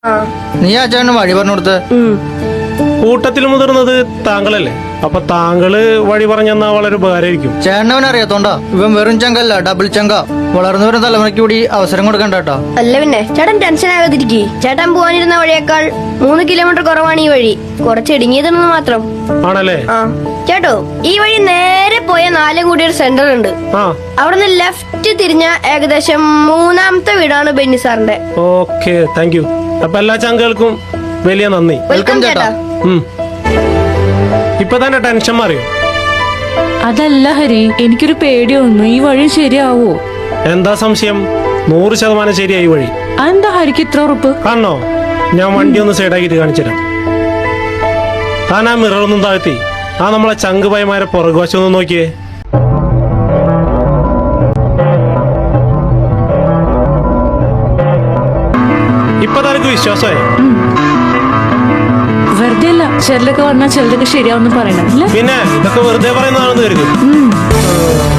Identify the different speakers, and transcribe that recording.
Speaker 1: നീ ആ ചേട്ടന് വഴി പറഞ്ഞു കൊടുത്ത്.
Speaker 2: കൂട്ടത്തിൽ മുതിർന്നത് താങ്കളല്ലേ, അപ്പൊ താങ്കള് വഴി പറഞ്ഞെന്നാ വളരെ ഉപകാരമായിരിക്കും.
Speaker 1: ചേട്ടനവൻ അറിയാത്തോണ്ടാ. ഇവൻ വെറും ചങ്കല്ല, ഡബിൾ ചങ്ക. വളർന്നു വരുന്ന തലമുറയ്ക്ക് കൂടി അവസരം കൊടുക്കണ്ട കേട്ടോ.
Speaker 3: അല്ല പിന്നെ ചേട്ടൻ ടെൻഷൻ ആകാതിരിക്കേ. ചേട്ടൻ പോവാനിരുന്ന വഴിയേക്കാൾ 3 കിലോമീറ്റർ കുറവാണ് ഈ വഴി. കുറച്ച് ഇടുങ്ങിയതെന്ന് മാത്രം.
Speaker 2: ആണല്ലേ?
Speaker 3: ആ ചേട്ടോ, ഈ വഴി നേരെ പോയ 4 കൂടി ഒരു സെന്റർ ഉണ്ട്. അവിടുന്ന് ലെഫ്റ്റ് തിരിഞ്ഞ ഏകദേശം 3ാമത്തെ വീടാണ് ബെന്നി സാറിന്റെ.
Speaker 2: Okay, thank you. അപ്പൊ എല്ലാ ചങ്കൾക്കും വലിയ നന്ദി.
Speaker 3: വെൽക്കം ചേട്ടാ.
Speaker 2: ഇപ്പൊ തന്നെ ടെൻഷൻ മാറിയോ?
Speaker 4: അതല്ല ഹരി, എനിക്കൊരു പേടി തോന്നുന്നു. ഈ വഴി ശരിയാവോ?
Speaker 2: എന്താ സംശയം? 100% ശരിയായി വഴി.
Speaker 4: അതെന്താ ഹരിക്ക് ഇത്ര ഉറപ്പ്?
Speaker 2: കാണണോ? ഞാൻ വണ്ടി ഒന്ന് സൈഡാക്കിട്ട് കാണിച്ചുതരാം. താൻ ആ മിററൊന്നും താഴ്ത്തി ആ നമ്മളെ ചങ്ക് പൈമാരെ പുറകുവശം ഒന്ന് നോക്കിയേ. ഇപ്പൊ തനക്ക് വിശ്വാസമായി?
Speaker 4: വെറുതെ അല്ല, ചിലരൊക്കെ പറഞ്ഞാൽ ചിലരൊക്കെ ശരിയാവെന്ന് പറയണം.
Speaker 2: പിന്നെ ഇതൊക്കെ വെറുതെ പറയുന്നതാണെന്ന് കരുതും.